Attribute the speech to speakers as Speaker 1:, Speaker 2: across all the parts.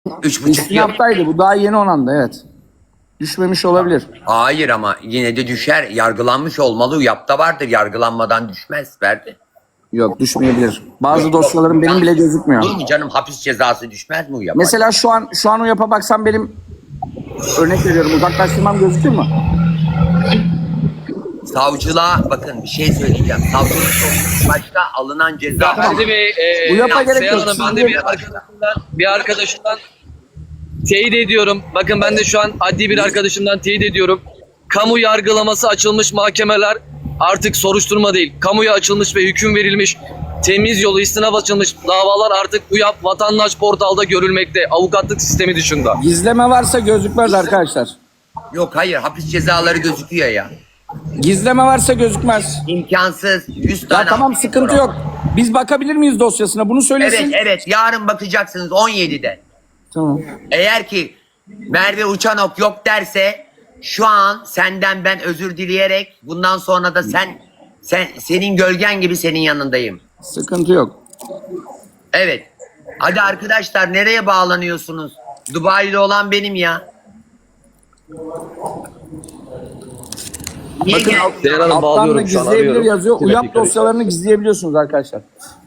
Speaker 1: 3,5 yıl.
Speaker 2: İstinaftaydı. Bu daha yeni onanda, evet. Düşmemiş olabilir.
Speaker 1: Hayır ama yine de düşer. Yargılanmış olmalı. UYAP'ta vardır. Yargılanmadan düşmez. Verdi.
Speaker 2: Yok, düşmeyebilir. Bazı dosyalarım benim bile gözükmüyor.
Speaker 1: Olur mu canım? Hapis cezası düşmez mi UYAP'a?
Speaker 2: Mesela şu an UYAP'a baksam benim, örnek veriyorum, uzaklaştırmam gözükür mü?
Speaker 1: Savcılığa bakın bir şey söyleyeceğim. Savcılık başta alınan ceza.
Speaker 3: Ferdi Bey,
Speaker 2: Bu yapa gerek
Speaker 3: Seyhan
Speaker 2: yok.
Speaker 3: Hanım, ben de bir arkadaşımdan teyit ediyorum. Bakın ben de şu an adli bir arkadaşımdan teyit ediyorum. Kamu yargılaması açılmış mahkemeler artık soruşturma değil. Kamuya açılmış ve hüküm verilmiş. Temiz yolu istinaf açılmış davalar artık UYAP vatandaş portalda görülmekte. Avukatlık sistemi dışında.
Speaker 2: Gizleme varsa gözükmez arkadaşlar.
Speaker 1: Yok hayır hapis cezaları gözüküyor ya.
Speaker 2: Gizleme varsa gözükmez.
Speaker 1: İmkansız. 100
Speaker 2: Ya
Speaker 1: tane.
Speaker 2: tamam, sıkıntı yok. Biz bakabilir miyiz dosyasına? Bunu söylesin.
Speaker 1: Evet evet yarın bakacaksınız 17'de.
Speaker 2: Tamam.
Speaker 1: Eğer ki Merve Uçanok yok derse şu an senden ben özür dileyerek bundan sonra da senin gölgen gibi senin yanındayım.
Speaker 2: Sıkıntı yok.
Speaker 1: Evet. Hadi arkadaşlar nereye bağlanıyorsunuz? Dubai'li olan benim ya. Niye
Speaker 2: Bakın
Speaker 1: gel-
Speaker 3: Seyhan Hanım
Speaker 2: alttan da
Speaker 3: bağlıyorum şu an,
Speaker 2: gizleyebilir
Speaker 3: arıyorum.
Speaker 2: yazıyor.
Speaker 3: Evet,
Speaker 2: UYAP
Speaker 3: dikkat edin.
Speaker 2: dosyalarını gizleyebiliyorsunuz arkadaşlar.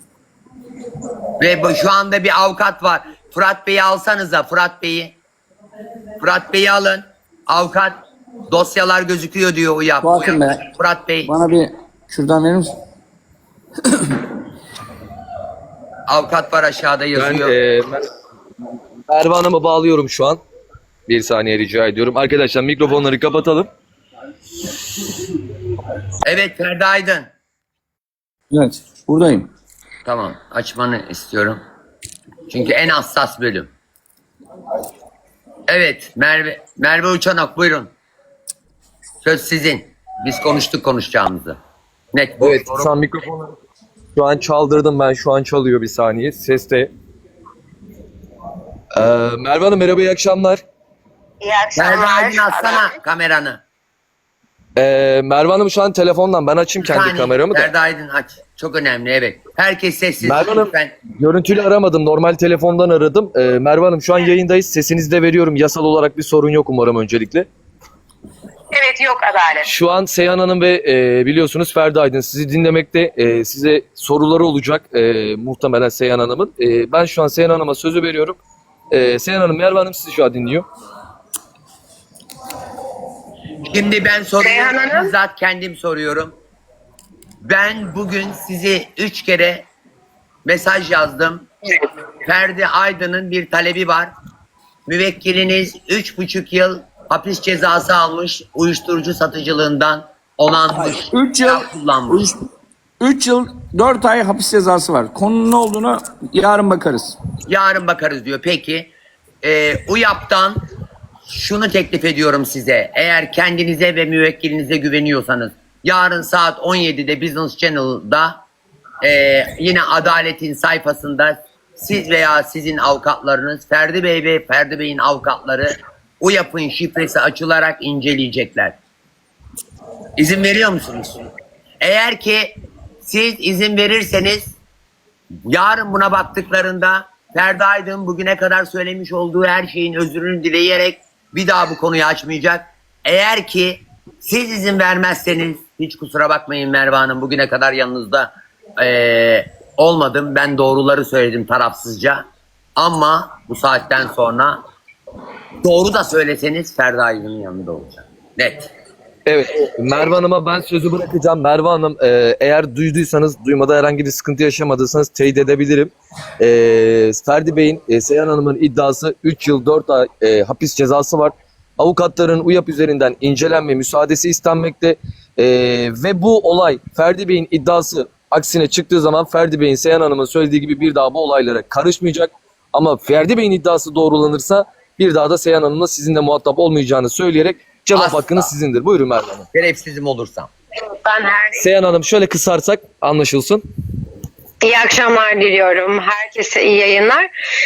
Speaker 1: Ve şu anda bir avukat var. Fırat Bey'i alsanıza Fırat Bey'i. Fırat Bey'i alın. Avukat dosyalar gözüküyor diyor UYAP.
Speaker 2: Bakın be.
Speaker 1: Fırat Bey.
Speaker 2: Bana bir kürdan verir misin?
Speaker 1: Avukat var aşağıda
Speaker 3: Ben
Speaker 1: yazıyor.
Speaker 3: Merve Hanım'ı bağlıyorum şu an. Bir saniye rica ediyorum. Arkadaşlar mikrofonları kapatalım.
Speaker 1: Evet Ferdi Aydın.
Speaker 2: Evet. Buradayım.
Speaker 1: Tamam açmanı istiyorum. Çünkü en hassas bölüm. Evet Merve Uçanok buyurun. Söz sizin. Biz konuştuk konuşacağımızı. Net.
Speaker 3: Evet, şu an mikrofonları şu an çaldırdım ben. Şu an çalıyor, bir saniye. Ses de. Merve Hanım merhaba, iyi akşamlar.
Speaker 4: İyi
Speaker 1: Ferdi
Speaker 4: akşamlar.
Speaker 1: Aydın açsana kameranı.
Speaker 3: Merve Hanım şu an telefondan. Ben açayım kendi
Speaker 1: Saniye,
Speaker 3: kameramı da.
Speaker 1: Ferdi Aydın aç. Çok önemli evet. Herkes sessiz.
Speaker 3: Merve Hanım
Speaker 1: Lütfen.
Speaker 3: görüntülü aramadım. Normal telefondan aradım. Merve Hanım şu an yayındayız. Sesinizi de veriyorum. Yasal olarak bir sorun yok umarım öncelikle.
Speaker 4: Evet yok adalet.
Speaker 3: Şu an Seyhan Hanım ve biliyorsunuz Ferdi Aydın sizi dinlemekte. Size soruları olacak muhtemelen Seyhan Hanım'ın. Ben şu an Seyhan Hanım'a sözü veriyorum. Seyhan Hanım, Merve Hanım sizi şu an dinliyor.
Speaker 1: Şimdi ben
Speaker 4: Seyhan
Speaker 1: soruyorum.
Speaker 4: Hanım.
Speaker 1: Bizzat kendim soruyorum. Ben bugün sizi 3 kere mesaj yazdım. Ferdi Aydın'ın bir talebi var. Müvekkiliniz 3,5 yıl hapis cezası almış. Uyuşturucu satıcılığından onanmış.
Speaker 2: 3 yıl
Speaker 1: kullanmış.
Speaker 2: 3 yıl 4 ay hapis cezası var. Konunun ne olduğunu yarın bakarız.
Speaker 1: Yarın bakarız diyor. Peki UYAP'tan şunu teklif ediyorum size. Eğer kendinize ve müvekkilinize güveniyorsanız yarın saat 17'de Business Channel'da yine Adalet'in sayfasında siz veya sizin avukatlarınız Ferdi Bey ve Ferdi Bey'in avukatları UYAP'ın şifresi açılarak inceleyecekler. İzin veriyor musunuz? Eğer ki siz izin verirseniz yarın buna baktıklarında Ferdi Aydın bugüne kadar söylemiş olduğu her şeyin özrünü dileyerek bir daha bu konuyu açmayacak. Eğer ki siz izin vermezseniz hiç kusura bakmayın Merve Hanım, bugüne kadar yanınızda olmadım. Ben doğruları söyledim tarafsızca. Ama bu saatten sonra doğru da söyleseniz Ferdi Aydın'ın yanında olacak. Net.
Speaker 3: Evet, Merve Hanım'a ben sözü bırakacağım. Merve Hanım eğer duyduysanız, duymada herhangi bir sıkıntı yaşamadıysanız teyit edebilirim. Ferdi Bey'in, Seyhan Hanım'ın iddiası 3 yıl 4 ay hapis cezası var. Avukatların UYAP üzerinden incelenme müsaadesi istenmekte. Ve bu olay Ferdi Bey'in iddiası aksine çıktığı zaman Ferdi Bey'in Seyhan Hanım'ın söylediği gibi bir daha bu olaylara karışmayacak. Ama Ferdi Bey'in iddiası doğrulanırsa bir daha da Seyhan Hanım'la sizinle muhatap olmayacağını söyleyerek cevap
Speaker 1: Asla.
Speaker 3: hakkınız sizindir. Buyurun Merve Hanım.
Speaker 1: Şerefsizim olursam.
Speaker 4: Ben
Speaker 3: Seyhan Hanım şöyle kısarsak anlaşılsın.
Speaker 4: iyi akşamlar diliyorum. Herkese iyi yayınlar.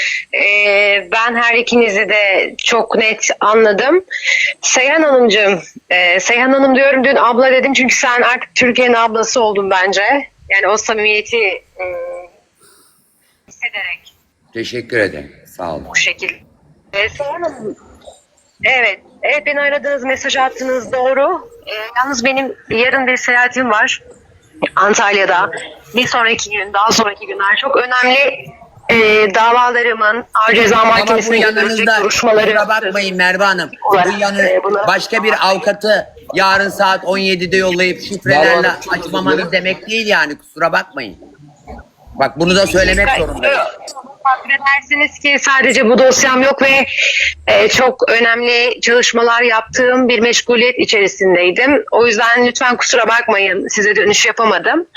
Speaker 4: Ben her ikinizi de çok net anladım. Seyhan Hanımcığım, Seyhan Hanım diyorum, dün abla dedim çünkü sen artık Türkiye'nin ablası oldun bence. Yani o samimiyeti hissederek
Speaker 1: Teşekkür ederim. Sağ olun.
Speaker 4: bu şekilde Seyhan Hanım, evet, evet beni aradığınız, mesaj attınız doğru. Yalnız benim yarın bir seyahatim var Antalya'da. Bir sonraki gün, daha sonraki günler çok önemli davalarımın Ağır Ceza
Speaker 1: Ama bu
Speaker 4: Mahkemesi'ne götürecek
Speaker 1: yanınızda
Speaker 4: duruşmaları.
Speaker 1: kusura bakmayın Merve Hanım. Bu başka bir avukatı yarın saat 17'de yollayıp şifrelerle
Speaker 3: Merve Hanım, çok özür
Speaker 1: açmamanız
Speaker 3: dilerim.
Speaker 1: demek değil yani, kusura bakmayın. Bak bunu da söylemek zorundayım.
Speaker 4: Takdir edersiniz ki sadece bu dosyam yok ve çok önemli çalışmalar yaptığım bir meşguliyet içerisindeydim. O yüzden lütfen kusura bakmayın, size dönüş yapamadım.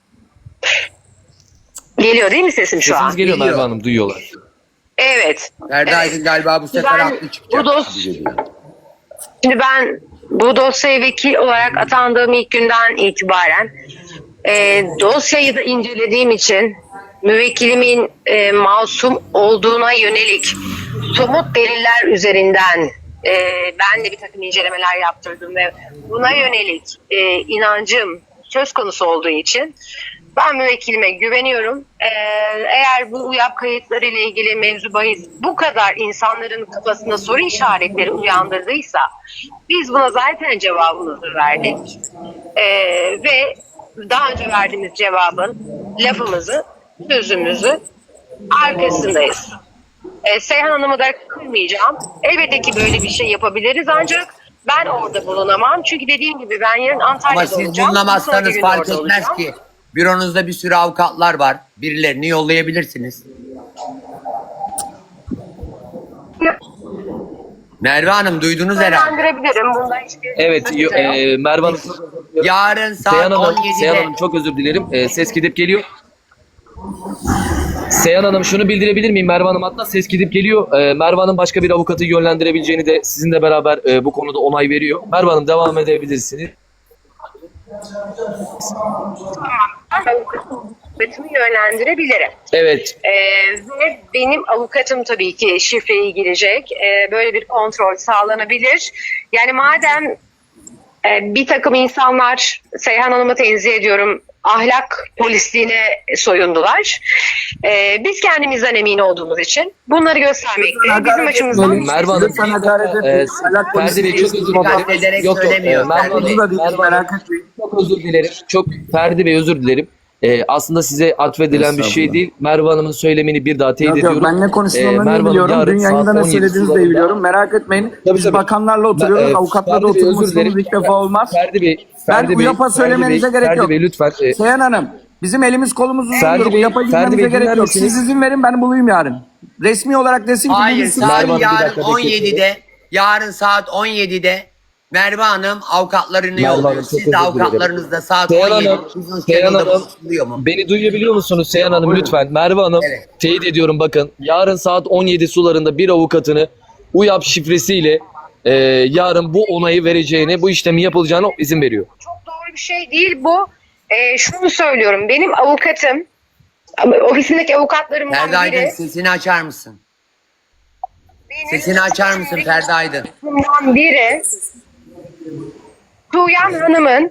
Speaker 4: Geliyor değil mi sesim şu
Speaker 3: Sesiniz
Speaker 4: an?
Speaker 3: geliyor
Speaker 1: Geliyor.
Speaker 3: Merve Hanım, duyuyorlar.
Speaker 4: Evet.
Speaker 1: Ferdi Aydın galiba bu sefer
Speaker 4: Ben
Speaker 1: haklı çıkacak.
Speaker 4: bu Şimdi ben bu dosyaya vekil olarak atandığım ilk günden itibaren dosyayı da incelediğim için müvekkilimin masum olduğuna yönelik somut deliller üzerinden ben de bir takım incelemeler yaptırdım ve buna yönelik inancım söz konusu olduğu için ben müvekkilime güveniyorum. Eğer bu UYAP kayıtları ile ilgili mevzu bahis bu kadar insanların kafasında soru işaretleri uyandırdıysa biz buna zaten cevabımızı verdik. Ve daha önce verdiğimiz cevabın lafımızı, sözümüzü arkasındayız. Seyhan Hanım'ı da kırmayacağım. Elbette ki böyle bir şey yapabiliriz ancak ben orada bulunamam. Çünkü dediğim gibi ben yarın Antalya'da
Speaker 1: Ama siz
Speaker 4: olacağım. Bir sonraki
Speaker 1: bulunamazsanız
Speaker 4: gün
Speaker 1: fark
Speaker 4: orada
Speaker 1: etmez
Speaker 4: olacağım.
Speaker 1: ki. Büronuzda bir sürü avukatlar var. Birilerini yollayabilirsiniz. Merve Hanım duydunuz herhalde.
Speaker 4: Yönlendirebilirim. Bunda hiçbir
Speaker 3: Evet,
Speaker 4: sakınca yok.
Speaker 3: Merve Hanım çok özür dilerim.
Speaker 1: Yarın saat
Speaker 3: Seyhan Hanım,
Speaker 1: 17'de.
Speaker 3: Seyhan Hanım çok özür dilerim. Ses gidip geliyor. Seyhan Hanım şunu bildirebilir miyim? Merve Hanım hatta ses gidip geliyor. Merve Hanım başka bir avukatı yönlendirebileceğini de sizinle beraber bu konuda onay veriyor. Merve Hanım devam edebilirsiniz.
Speaker 4: Avukatımı yönlendirebilirim.
Speaker 3: Evet.
Speaker 4: Ve benim avukatım tabii ki şifreyi girecek. Böyle bir kontrol sağlanabilir. Yani madem bir takım insanlar, Seyhan Hanım'ı tenzih ediyorum, ahlak polisliğine soyundular. Biz kendimizden emin olduğumuz için bunları göstermekte. Bizim açımızdan
Speaker 3: Merve Hanım,
Speaker 2: Lütfen hakaret etmeyin. Ahlak
Speaker 3: Ferdi
Speaker 2: polisi
Speaker 3: Bey çok özür
Speaker 1: Dikkat ederek
Speaker 3: dilerim. Yok,
Speaker 1: söylemiyor.
Speaker 3: Merve
Speaker 1: Ferdi Bey.
Speaker 3: Hanım,
Speaker 2: Bu da değil, merak etmeyin.
Speaker 3: çok özür dilerim. Çok Ferdi Bey özür dilerim. Aslında size atfedilen bir şey
Speaker 2: Estağfurullah.
Speaker 3: değil. Merve Hanım'ın söylemini bir daha teyit
Speaker 2: Yok
Speaker 3: ediyorum.
Speaker 2: yok, ben ne konuştuğumu
Speaker 3: Merve
Speaker 2: ne
Speaker 3: Hanım
Speaker 2: biliyorum.
Speaker 3: yarın
Speaker 2: Dün yayında
Speaker 3: saat
Speaker 2: ne
Speaker 3: 17
Speaker 2: söylediğinizi de
Speaker 3: sularında-
Speaker 2: biliyorum. Merak etmeyin.
Speaker 3: Tabii,
Speaker 2: Biz
Speaker 3: tabii.
Speaker 2: bakanlarla oturuyoruz. Avukatlarla
Speaker 3: Ferdi Bey, özür
Speaker 2: oturmuşsunuz
Speaker 3: dilerim.
Speaker 2: ilk defa olmaz.
Speaker 3: Ferdi Bey,
Speaker 2: Ben
Speaker 3: Ferdi Bey,
Speaker 2: UYAP'a söylemenize gerek
Speaker 3: Ferdi
Speaker 2: yok.
Speaker 3: Bey lütfen.
Speaker 2: Seyhan Hanım, bizim elimiz kolumuz
Speaker 3: Ferdi
Speaker 2: uzundur.
Speaker 3: Bey,
Speaker 2: UYAP'a
Speaker 3: Ferdi
Speaker 2: girmemize
Speaker 3: Bey, dinler
Speaker 2: gerek yok.
Speaker 3: misiniz?
Speaker 2: Siz izin verin, ben bulayım yarın. Resmi olarak desin ki
Speaker 1: Hayır,
Speaker 2: bilgisi
Speaker 3: Merve
Speaker 1: saat
Speaker 3: Hanım, bir
Speaker 1: yarın
Speaker 3: dakika,
Speaker 1: 17'de. Yarın saat 17'de Merve Hanım avukatlarını
Speaker 3: Merve
Speaker 1: yolluyor.
Speaker 3: Hanım, çok
Speaker 1: Siz de
Speaker 3: özür dilerim.
Speaker 1: avukatlarınızda saat
Speaker 3: Seyhan
Speaker 1: 17'de
Speaker 3: Hanım,
Speaker 1: Business
Speaker 3: Seyhan
Speaker 1: Channel'da
Speaker 3: Hanım,
Speaker 1: buluşuluyor mu?
Speaker 3: beni duyabiliyor musunuz Seyhan Hanım lütfen? Merve Hanım,
Speaker 1: Evet.
Speaker 3: teyit ediyorum bakın. Yarın saat 17 sularında bir avukatını UYAP şifresiyle yarın bu onayı vereceğine, bu işlemi yapılacağına izin veriyor.
Speaker 4: çok doğru bir şey değil bu. Şunu söylüyorum. Benim avukatım, ofisimdeki avukatlarımdan
Speaker 1: Ferdi Aydın
Speaker 4: biri,
Speaker 1: sesini açar mısın?
Speaker 4: benim
Speaker 1: Sesini açar mısın Ferdi Aydın?
Speaker 4: avukatlarımdan biri Tuğyan Hanım'ın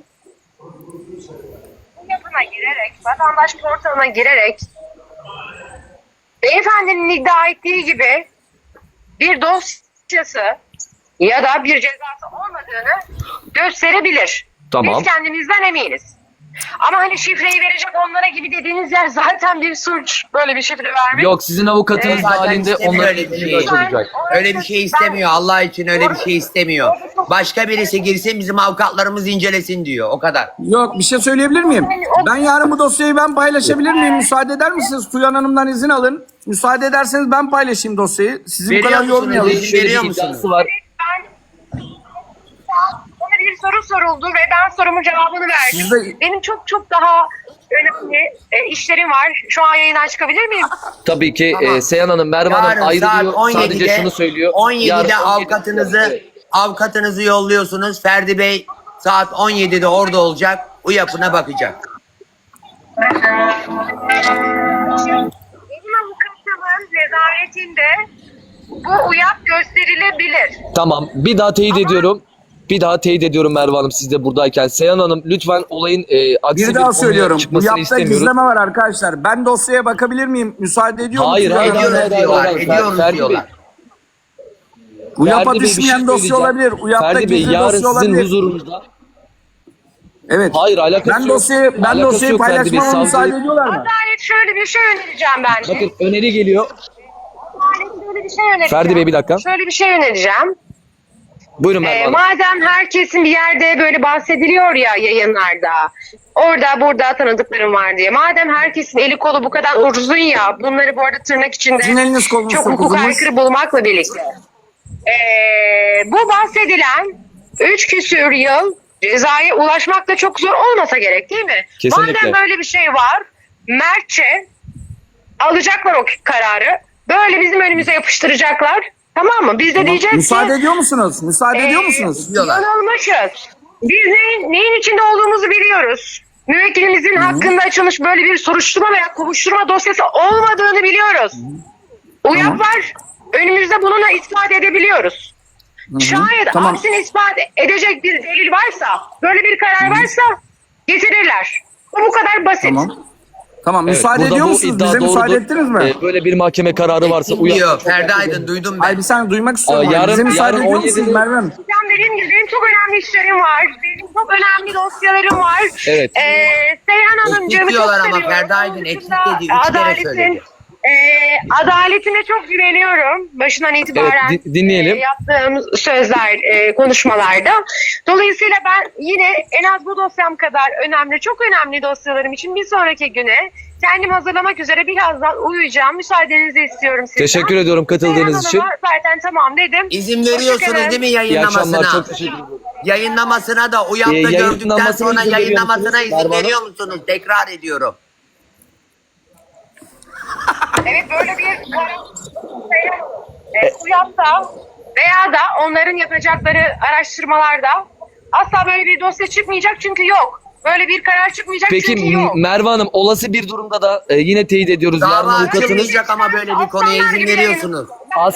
Speaker 4: bu yapına girerek, vatandaş portalına girerek beyefendinin iddia ettiği gibi bir dosyası ya da bir cezası olmadığını gösterebilir.
Speaker 3: Tamam.
Speaker 4: Biz kendimizden eminiz. Ama hani şifreyi verecek onlara gibi dediğiniz yer zaten bir suç. Böyle bir şifre vermek.
Speaker 3: Yok, sizin avukatınız
Speaker 1: Zaten
Speaker 3: halinde
Speaker 1: istemiyor
Speaker 3: onların
Speaker 1: öyle bir
Speaker 3: işini
Speaker 1: şey.
Speaker 3: açılacak.
Speaker 1: Öyle bir şey istemiyor. Allah için öyle bir şey istemiyor. Başka birisi girsin bizim avukatlarımız incelesin diyor. O kadar.
Speaker 2: Yok, bir şey söyleyebilir miyim? Ben yarın bu dosyayı ben paylaşabilir miyim? Müsaade eder misiniz? Tuyan Hanım'dan izin alın. Müsaade ederseniz ben paylaşayım dosyayı. Sizi bu
Speaker 1: Veriyor
Speaker 2: kadar
Speaker 1: musunuz?
Speaker 2: yormayalım.
Speaker 1: İzin
Speaker 3: Şöyle
Speaker 1: veriyor
Speaker 3: bir
Speaker 1: musunuz?
Speaker 3: iddiası var.
Speaker 4: Bana bir soru soruldu ve ben sorumun cevabını verdim.
Speaker 2: Siz de-
Speaker 4: Benim çok çok daha önemli işlerim var. Şu an yayından çıkabilir miyim?
Speaker 3: Tabii ki
Speaker 1: Tamam.
Speaker 3: Seyhan Hanım, Merve
Speaker 1: Yarın
Speaker 3: Hanım
Speaker 1: saat
Speaker 3: ayrılıyor.
Speaker 1: 17'de,
Speaker 3: Sadece şunu söylüyor.
Speaker 1: 17'de
Speaker 3: Yarın 17'de
Speaker 1: avukatınızı yolluyorsunuz. Ferdi Bey saat 17'de orada olacak. UYAP'ına bakacak.
Speaker 4: Benim avukatımın nezaretinde bu UYAP gösterilebilir.
Speaker 3: Tamam. Bir daha teyit ediyorum. Bir daha teyit ediyorum Merve Hanım, siz de buradayken. Seyhan Hanım lütfen olayın aksi
Speaker 2: Bir daha
Speaker 3: konuya
Speaker 2: söylüyorum. Bu
Speaker 3: çıkmasını
Speaker 2: yapta
Speaker 3: istemiyorum.
Speaker 2: gizleme var arkadaşlar. Ben dosyaya bakabilir miyim? Müsaade ediyor
Speaker 3: Hayır,
Speaker 2: musunuz?
Speaker 3: hayır, hayır,
Speaker 1: Ediyoruz
Speaker 3: hayır,
Speaker 1: diyorlar.
Speaker 3: hayır.
Speaker 1: Ediyoruz
Speaker 3: Ferdi Bey,
Speaker 1: diyorlar.
Speaker 2: UYAP'a
Speaker 3: Ferdi Bey, bir şey
Speaker 2: düşmeyen dosya
Speaker 3: söyleyeceğim.
Speaker 2: olabilir. UYAP'ta
Speaker 3: Ferdi Bey,
Speaker 2: gizli
Speaker 3: yarın
Speaker 2: dosya
Speaker 3: sizin
Speaker 2: olabilir.
Speaker 3: huzurunuzda.
Speaker 2: Evet.
Speaker 3: Hayır, alakası
Speaker 2: Ben
Speaker 3: yok.
Speaker 2: dosyayı
Speaker 3: Alakası yok Ferdi Bey,
Speaker 2: paylaşmama müsaade
Speaker 3: savcı-
Speaker 2: ediyorlar mı?
Speaker 4: Adalet şöyle bir şey önereceğim ben de.
Speaker 3: Bakın öneri geliyor.
Speaker 4: Adalet şöyle bir şey önereceğim.
Speaker 3: Ferdi Bey, bir dakika.
Speaker 4: Şöyle bir şey önereceğim.
Speaker 3: Buyurun Merve Hanım.
Speaker 4: Madem herkesin bir yerde böyle bahsediliyor ya yayınlarda, orada burada tanıdıklarım var diye. Madem herkesin eli kolu bu kadar uzun ya, bunları bu arada tırnak içinde
Speaker 2: Sizin eliniz kolunuz
Speaker 4: çok
Speaker 2: çok
Speaker 4: hukuk
Speaker 2: uzunmuş.
Speaker 4: aykırı bulmakla birlikte. Bu bahsedilen 3 küsür yıl cezaya ulaşmak da çok zor olmasa gerek değil mi?
Speaker 3: Kesinlikle.
Speaker 4: Madem böyle bir şey var, mertçe alacaklar o kararı. Böyle bizim önümüze yapıştıracaklar. Tamam mı? Biz de diyeceğiz
Speaker 2: Müsaade
Speaker 4: ki
Speaker 2: ediyor musunuz? Müsaade ediyor musunuz?
Speaker 1: Diyorlar.
Speaker 4: yanılmışız. Biz neyin içinde olduğumuzu biliyoruz. Müvekkilimizin hakkında açılmış böyle bir soruşturma veya kovuşturma dosyası olmadığını biliyoruz. UYAP var. Önümüzde bununla ispat edebiliyoruz. Şayet
Speaker 2: Tamam.
Speaker 4: aksini ispat edecek bir delil varsa, böyle bir karar varsa getirirler. Bu kadar basit.
Speaker 2: Tamam. Tamam,
Speaker 3: Evet,
Speaker 2: müsaade
Speaker 3: burada
Speaker 2: ediyor
Speaker 3: bu
Speaker 2: musunuz?
Speaker 3: iddia
Speaker 2: Bize müsaade
Speaker 3: doğrudur.
Speaker 2: ettiniz mi?
Speaker 3: Böyle bir mahkeme kararı varsa
Speaker 1: Diyor. Ferdi Aydın duydum ben.
Speaker 2: Hayır, bir saniye duymak istiyorum.
Speaker 3: Yarın-
Speaker 2: Bize müsaade
Speaker 3: yarın
Speaker 2: ediyor musunuz
Speaker 3: 17'de
Speaker 2: Merve Hanım?
Speaker 4: Hocam dediğim gibi benim çok önemli işlerim var. Benim çok önemli dosyalarım var.
Speaker 3: Evet.
Speaker 4: Seyhan Hanımcığımı
Speaker 1: Eksik
Speaker 4: çok
Speaker 1: diyorlar ama
Speaker 4: seviyorum.
Speaker 1: Ferdi Aydın
Speaker 4: Onun
Speaker 1: eksik
Speaker 4: dışında
Speaker 1: dedi. 3 kere söyledi.
Speaker 4: Adaletine çok güveniyorum. Başından itibaren
Speaker 3: Evet, dinleyelim.
Speaker 4: yaptığım sözler, konuşmalarda. Dolayısıyla ben yine en az bu dosyam kadar önemli, çok önemli dosyalarım için bir sonraki güne kendimi hazırlamak üzere birazdan uyuyacağım. Müsaadenizi istiyorum sizden.
Speaker 3: Teşekkür ediyorum katıldığınız için.
Speaker 4: Seyhan Hanım'a zaten tamam dedim.
Speaker 1: İzin veriyorsunuz
Speaker 4: Hoşçakalın.
Speaker 1: değil mi
Speaker 3: İyi akşamlar,
Speaker 1: yayınlamasına?
Speaker 3: çok teşekkür ederim.
Speaker 1: Yayınlamasına da UYAP'ta gördükten
Speaker 3: yayınlamasına
Speaker 1: sonra
Speaker 3: izin veriyor
Speaker 1: yayınlamasına
Speaker 3: musunuz
Speaker 1: izin
Speaker 3: Merve Hanım?
Speaker 1: veriyor musunuz? Tekrar ediyorum.
Speaker 4: Evet, böyle bir karar UYAP'ta veya da onların yapacakları araştırmalarda asla böyle bir dosya çıkmayacak çünkü yok. Böyle bir karar çıkmayacak
Speaker 3: Peki
Speaker 4: çünkü yok.
Speaker 3: Merve Hanım, olası bir durumda da yine teyit ediyoruz. Yarın
Speaker 1: Dava
Speaker 3: avukatınız
Speaker 1: açılmayacak ama böyle bir konuya izin veriyorsunuz.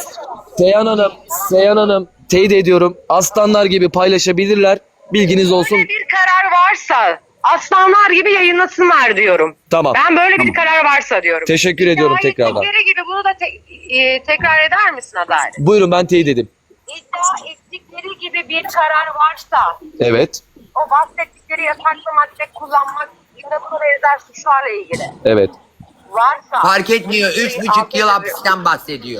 Speaker 3: Seyhan Hanım teyit ediyorum. Aslanlar gibi paylaşabilirler. Bilginiz olsun.
Speaker 4: Böyle bir karar varsa aslanlar gibi yayınlasınlar diyorum.
Speaker 3: Tamam.
Speaker 4: Ben böyle bir karar varsa diyorum.
Speaker 3: Teşekkür ediyorum
Speaker 4: İddia
Speaker 3: tekrardan.
Speaker 4: ettikleri gibi bunu da tekrar eder misin Adalet?
Speaker 3: Buyurun, ben teyit edeyim.
Speaker 4: İddia ettikleri gibi bir karar varsa
Speaker 3: Evet.
Speaker 4: o bahsettikleri yasaklı madde kullanmak yine buna benzer suçlarla ilgili
Speaker 3: Evet.
Speaker 4: varsa
Speaker 1: Fark etmiyor. 3,5 yıl hapisten bahsediyor.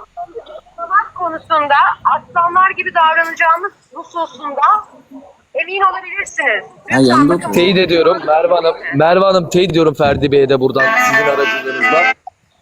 Speaker 4: sanat konusunda aslanlar gibi davranacağımız hususunda emin olabilirsiniz.
Speaker 2: Ha, yanında otur.
Speaker 3: Teyit ediyorum Merve Hanım teyit ediyorum Ferdi Bey'e de buradan sizin aracılığınızla.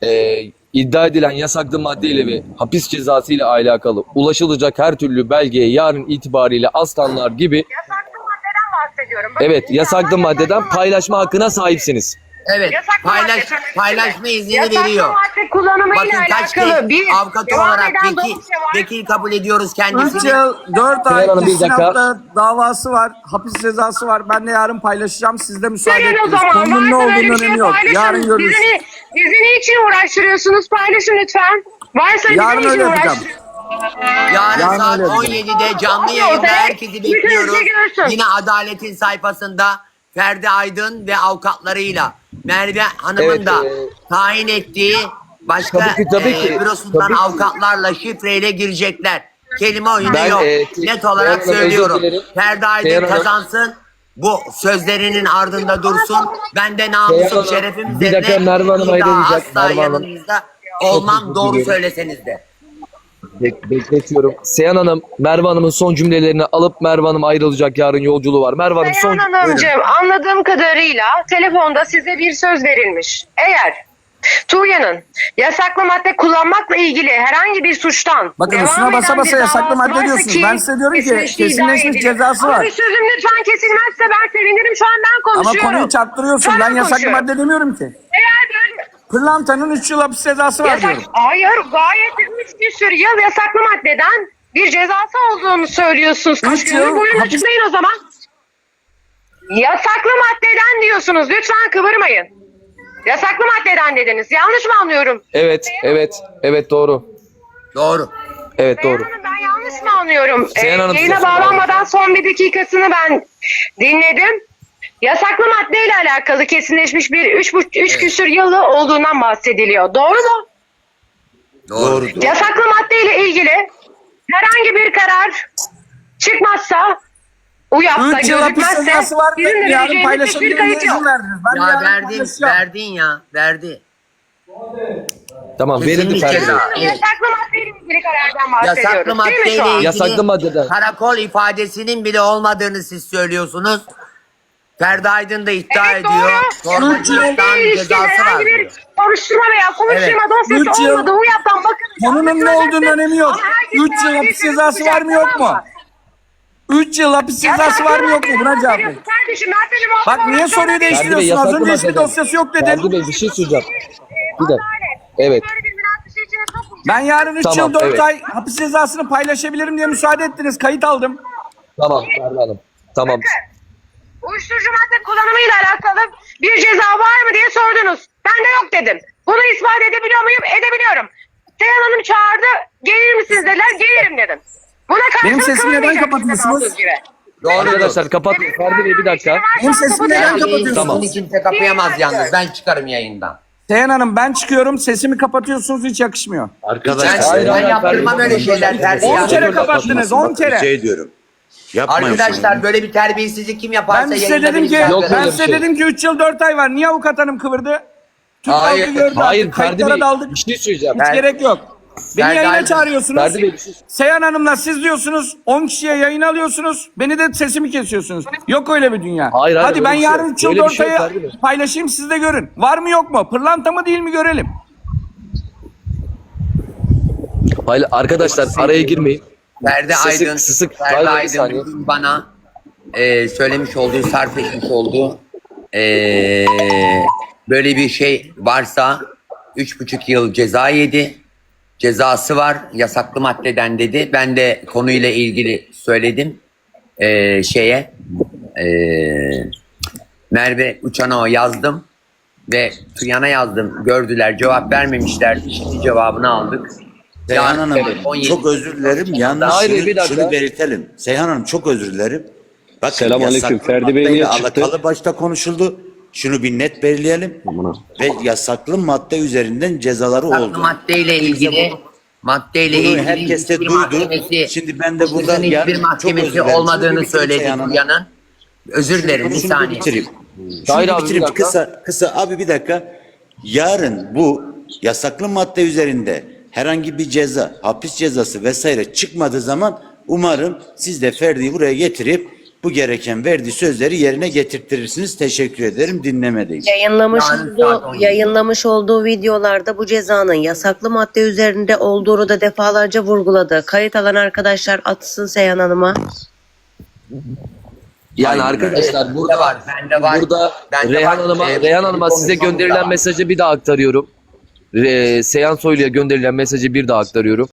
Speaker 3: İddia edilen yasaklı maddeyle ve hapis cezası ile alakalı ulaşılacak her türlü belgeye yarın itibariyle aslanlar gibi
Speaker 4: Yasaklı maddeden bahsediyorum. Bakın,
Speaker 3: evet yasaklı
Speaker 4: insanlar
Speaker 3: maddeden
Speaker 4: yasaklı
Speaker 3: paylaşma
Speaker 4: madde
Speaker 3: hakkına sahipsiniz.
Speaker 1: Evet.
Speaker 4: Yasaklı madde
Speaker 1: Paylaşma izni
Speaker 4: Yasaklı
Speaker 1: veriyor.
Speaker 4: madde kullanımıyla
Speaker 1: Bakın kaç
Speaker 4: alakalı
Speaker 1: kez
Speaker 4: bir
Speaker 1: avukat
Speaker 4: devam
Speaker 1: olarak
Speaker 4: eden dosya var.
Speaker 1: vekil kabul ediyoruz
Speaker 2: 3
Speaker 1: kendisini.
Speaker 2: yıl, 4 ay,
Speaker 3: Seyhan Hanım, bir dakika.
Speaker 2: istinafta davası var, hapis cezası var. Ben de yarın paylaşacağım. Siz de müsaade
Speaker 4: Verin o
Speaker 2: ettiniz.
Speaker 4: zaman.
Speaker 2: Konunun ne
Speaker 4: Varsa böyle
Speaker 2: olduğunu
Speaker 4: bir şey
Speaker 2: önemi yok.
Speaker 4: paylaşın.
Speaker 2: Yarın görürüz.
Speaker 4: Bizi niçin uğraştırıyorsunuz? Paylaşın lütfen. Varsa
Speaker 2: Yarın
Speaker 4: bizi
Speaker 2: öyle
Speaker 4: niçin
Speaker 2: yapacağım.
Speaker 4: uğraştırıyorsunuz?
Speaker 1: Yarın
Speaker 2: Yarın
Speaker 1: saat
Speaker 2: öyle yapacağım.
Speaker 1: 17'de canlı
Speaker 4: Hadi
Speaker 1: yayında
Speaker 4: ortaya.
Speaker 1: herkesi
Speaker 4: Yüzünüzü
Speaker 1: bekliyoruz.
Speaker 4: görsün.
Speaker 1: Yine Adalet'in sayfasında Ferdi Aydın ve avukatlarıyla Merve Hanım'ın
Speaker 3: Evet,
Speaker 1: da tayin ettiği başka
Speaker 3: Tabii ki.
Speaker 1: bürosundan
Speaker 3: Tabii ki.
Speaker 1: avukatlarla şifreyle girecekler. Kelime oyunu
Speaker 3: Ben,
Speaker 1: yok.
Speaker 3: Seyhan
Speaker 1: Net olarak
Speaker 3: Hanım, özür
Speaker 1: söylüyorum.
Speaker 3: dilerim.
Speaker 1: Ferdi Aydın
Speaker 3: Seyhan Hanım.
Speaker 1: kazansın. Bu sözlerinin ardında dursun. Ben de
Speaker 3: Seyhan
Speaker 1: namusum,
Speaker 3: Hanım,
Speaker 1: şerefim
Speaker 3: bir
Speaker 1: üzerine
Speaker 3: dakika, Merve Hanım
Speaker 1: bir daha
Speaker 3: ayrılacak.
Speaker 1: asla
Speaker 3: Merve Hanım.
Speaker 1: yanınızda olmam,
Speaker 3: özür
Speaker 1: doğru
Speaker 3: diliyorum.
Speaker 1: söyleseniz de.
Speaker 3: Bekletiyorum. Seyhan Hanım, Merve Hanım'ın son cümlelerini alıp Merve Hanım ayrılacak, yarın yolculuğu var. Merve Hanım son
Speaker 4: Seyhan Hanımcığım, anladığım kadarıyla telefonda size bir söz verilmiş. Eğer Tuğya'nın yasaklı madde kullanmakla ilgili herhangi bir suçtan
Speaker 2: Bakın
Speaker 4: devam
Speaker 2: üstüne basa
Speaker 4: eden
Speaker 2: basa
Speaker 4: bir
Speaker 2: yasaklı
Speaker 4: davası
Speaker 2: madde
Speaker 4: varsa
Speaker 2: diyorsunuz. Ben size diyorum ki
Speaker 4: kesinleştiği iddia
Speaker 2: kesinleşmiş
Speaker 4: ediliyor.
Speaker 2: cezası
Speaker 4: Ama
Speaker 2: var.
Speaker 4: bir sözüm lütfen kesilmezse ben sevinirim. Şu an ben
Speaker 2: Ama
Speaker 4: konuşuyorum.
Speaker 2: konuyu çarptırıyorsun.
Speaker 4: Şu an
Speaker 2: Ben yasaklı
Speaker 4: konuşuyorum.
Speaker 2: madde demiyorum ki.
Speaker 4: Eğer böyle
Speaker 2: Pırlantanın 3 yıl hapis cezası var
Speaker 4: yasak,
Speaker 2: diyorum.
Speaker 4: hayır gayet 3 küsur yıl yasaklı maddeden bir cezası olduğunu söylüyorsunuz. Kaç
Speaker 2: 3
Speaker 4: gündür
Speaker 2: yıl
Speaker 4: buyurun
Speaker 2: hapis-
Speaker 4: açıklayın o zaman. Yasaklı maddeden diyorsunuz. Lütfen kıvırmayın. Yasaklı maddeden dediniz. Yanlış mı anlıyorum?
Speaker 3: Evet doğru.
Speaker 1: Doğru.
Speaker 3: Evet doğru.
Speaker 4: Seyhan Hanım, ben yanlış mı anlıyorum?
Speaker 3: Seyhan Hanım,
Speaker 4: Yayına
Speaker 3: size
Speaker 4: bağlanmadan son bir dakikasını ben dinledim. Yasaklı maddeyle alakalı kesinleşmiş bir 3 küsur yılı olduğundan bahsediliyor. Doğru mu?
Speaker 1: Doğru.
Speaker 4: Yasaklı maddeyle ilgili karar çıkmazsa, UYAP'ta
Speaker 2: 3 yıl hapis
Speaker 4: gözükmezse
Speaker 2: cezası var mı?
Speaker 4: bizim de
Speaker 2: Yarın
Speaker 4: vereceğimiz hiçbir
Speaker 2: paylaşabilirim diye
Speaker 4: kayıt yok.
Speaker 2: izin verdiniz. Ben
Speaker 1: Ya
Speaker 2: yarın
Speaker 1: verdin,
Speaker 2: paylaşacağım.
Speaker 1: verdin ya, verdi.
Speaker 3: Tamam verildi
Speaker 1: Kesinlikle
Speaker 3: Ferdi Bey.
Speaker 1: ceza.
Speaker 4: Yasaklı maddeyle ilgili karardan bahsediyoruz.
Speaker 1: Yasaklı
Speaker 4: Değil mi şu
Speaker 1: maddeyle
Speaker 4: an?
Speaker 1: ilgili
Speaker 3: Yasaklı maddeden.
Speaker 1: karakol ifadesinin bile olmadığını siz söylüyorsunuz. Ferdi Aydın da iddia
Speaker 4: Evet,
Speaker 1: ediyor.
Speaker 4: doğru.
Speaker 1: Torbacılıktan
Speaker 4: İlişkin
Speaker 1: cezası var
Speaker 4: herhangi bir
Speaker 1: diyor.
Speaker 4: soruşturma veya konuşturma
Speaker 2: Üç
Speaker 4: dosyası
Speaker 2: yıl-
Speaker 4: olmadı. UYAP'tan bakın.
Speaker 2: Konunun ne olduğunun önemi yok. 3 yıl hapis cezası var mı yok mu? 3 yıl hapis cezası var mı yok mu? Buna cevap ver.
Speaker 4: Kardeşim ben seni muhatap
Speaker 2: Bak niye
Speaker 4: olarak
Speaker 2: soruyu
Speaker 4: görmedim.
Speaker 3: Ferdi Bey
Speaker 2: değiştiriyorsun? Az
Speaker 3: yasaklı
Speaker 2: önce hiçbir
Speaker 3: maddeden.
Speaker 2: dosyası yok
Speaker 3: Ferdi
Speaker 2: dedin.
Speaker 3: Bey bir şey söyleyeceğim. Bir dakika. Evet.
Speaker 4: Böyle bir münakaşa içine sokmayacağım.
Speaker 2: Ben yarın 3
Speaker 3: Tamam,
Speaker 2: yıl 4
Speaker 3: evet.
Speaker 2: ay hapis cezasını paylaşabilirim diye müsaade ettiniz. Kayıt aldım.
Speaker 3: Tamam Ferdi Hanım. Tamam.
Speaker 4: Uyuşturucu madde kullanımıyla alakalı bir ceza var mı diye sordunuz. Ben de yok dedim. Bunu ispat edebiliyor muyum? Edebiliyorum. Seyhan Hanım çağırdı. Gelir misiniz dediler. Gelirim dedim. Buna karşılık
Speaker 2: Benim sesimi neden
Speaker 4: kılınmayacak
Speaker 2: kapatıyorsunuz?
Speaker 4: işte söz gibi.
Speaker 1: Doğru.
Speaker 3: Arkadaşlar kapatın. Ferdi Bey bir dakika.
Speaker 2: Benim sesimi neden kapatıyorsunuz?
Speaker 3: Tamam.
Speaker 1: Bunu kimse kapayamaz yalnız. Ben çıkarım yayından.
Speaker 2: Seyhan Hanım ben çıkıyorum. Sesimi kapatıyorsunuz. Hiç yakışmıyor.
Speaker 1: Ben,
Speaker 5: Arkadaşlar
Speaker 3: Hayır,
Speaker 1: ben
Speaker 3: hayır,
Speaker 1: yaptırmam
Speaker 3: Ferdi.
Speaker 1: öyle şeyler Ferdi
Speaker 2: 10
Speaker 1: ya.
Speaker 2: kere kapattınız. 10 kere.
Speaker 5: şey diyorum. Yapmayın
Speaker 1: Arkadaşlar
Speaker 5: şunu.
Speaker 1: böyle bir terbiyesizlik kim yaparsa
Speaker 2: Ben size
Speaker 1: yayında
Speaker 2: dedim
Speaker 1: beni
Speaker 2: ki
Speaker 1: çıkartır.
Speaker 3: Yok
Speaker 2: ben
Speaker 3: öyle bir
Speaker 2: size
Speaker 3: şey.
Speaker 2: dedim ki 3 yıl 4 ay var. Niye avukat hanım kıvırdı? Türk
Speaker 1: Hayır,
Speaker 2: halkı gördü.
Speaker 3: Hayır
Speaker 2: artık,
Speaker 3: Ferdi
Speaker 2: kayıtlara
Speaker 3: Bey
Speaker 2: daldık.
Speaker 3: bir şey söyleyeceğim.
Speaker 2: Hiç gerek yok. Beni
Speaker 1: Ferdi
Speaker 2: yayına
Speaker 1: Aydın.
Speaker 2: çağırıyorsunuz.
Speaker 3: Ferdi Bey bir şey
Speaker 2: Seyhan Hanım'la siz diyorsunuz 10 kişiye yayın alıyorsunuz. Beni de sesimi kesiyorsunuz. Yok öyle bir dünya.
Speaker 3: Hayır, hayır,
Speaker 2: Hadi
Speaker 3: öyle
Speaker 2: ben
Speaker 3: bir şey
Speaker 2: yarın
Speaker 3: yok.
Speaker 2: 3 yıl
Speaker 3: Öyle bir
Speaker 2: 4
Speaker 3: şey yok,
Speaker 2: ayı
Speaker 3: Ferdi Bey.
Speaker 2: paylaşayım siz de görün. Var mı yok mu? Pırlanta mı değil mi görelim.
Speaker 3: Hayır arkadaşlar araya girmeyin.
Speaker 1: Ferdi
Speaker 3: Sesi
Speaker 1: Aydın,
Speaker 3: kısık.
Speaker 1: Ferdi
Speaker 3: Hayır, bir
Speaker 1: Aydın
Speaker 3: saniye.
Speaker 1: bugün bana söylemiş olduğu, sarf etmiş olduğu böyle bir şey varsa 3,5 yıl ceza yedi. Cezası var yasaklı maddeden dedi. Ben de konuyla ilgili söyledim Merve Uçan'a yazdım ve Tuyan'a yazdım. Gördüler, cevap vermemişlerdi. Şimdi cevabını aldık.
Speaker 5: Seyhan Hanım
Speaker 1: Evet, 17
Speaker 5: çok özür dilerim. Yalnız
Speaker 3: Hayır,
Speaker 5: şunu,
Speaker 3: bir dakika.
Speaker 5: şunu belirtelim. Seyhan Hanım çok özür dilerim. Bakın
Speaker 6: Selamünaleyküm.
Speaker 5: yasaklı
Speaker 6: Ferdi Bey niye
Speaker 5: maddeyle
Speaker 6: çıktı?
Speaker 5: alakalı başta konuşuldu. Şunu bir net belirleyelim. Ve yasaklı madde üzerinden cezaları
Speaker 1: Yasaklı
Speaker 5: oldu.
Speaker 1: maddeyle ilgili
Speaker 5: Bunu
Speaker 1: ilgili
Speaker 5: herkes de
Speaker 1: hiçbir
Speaker 5: duydu.
Speaker 1: mahkemesi-
Speaker 5: Şimdi ben de burada
Speaker 1: hiçbir
Speaker 5: yarın çok
Speaker 1: mahkemesi
Speaker 5: özür dilerim.
Speaker 1: olmadığını
Speaker 5: Şunu bir bitireyim
Speaker 1: söyledi
Speaker 5: Seyhan Hanım.
Speaker 1: Tuyan'ın. Özür dilerim bir
Speaker 5: Şunu
Speaker 1: saniye.
Speaker 5: bitireyim.
Speaker 3: Hayır
Speaker 5: Şunu
Speaker 3: abi, bir
Speaker 5: bitireyim.
Speaker 3: dakika.
Speaker 5: Kısa abi bir dakika. Yarın bu yasaklı madde üzerinde herhangi bir ceza, hapis cezası vesaire çıkmadığı zaman umarım siz de Ferdi'yi buraya getirip bu gereken verdiği sözleri yerine getirtirsiniz. Teşekkür ederim. Dinlemedeyiz.
Speaker 7: Yayınlamış olduğu videolarda bu cezanın yasaklı madde üzerinde olduğunu da defalarca vurguladı. Kayıt alan arkadaşlar atsın Seyhan Hanım'a.
Speaker 3: Yani
Speaker 5: Aynen öyle.
Speaker 3: arkadaşlar
Speaker 1: Bende
Speaker 3: burada
Speaker 1: var, bende var.
Speaker 3: burada
Speaker 1: Bende
Speaker 3: Reyhan
Speaker 1: var.
Speaker 3: Hanım'a
Speaker 1: Evet,
Speaker 3: Reyhan Hanım'a size
Speaker 1: konuşmamız da
Speaker 3: gönderilen
Speaker 1: var.
Speaker 3: mesajı bir daha aktarıyorum. Seyhan Soylu'ya gönderilen mesajı bir daha aktarıyorum.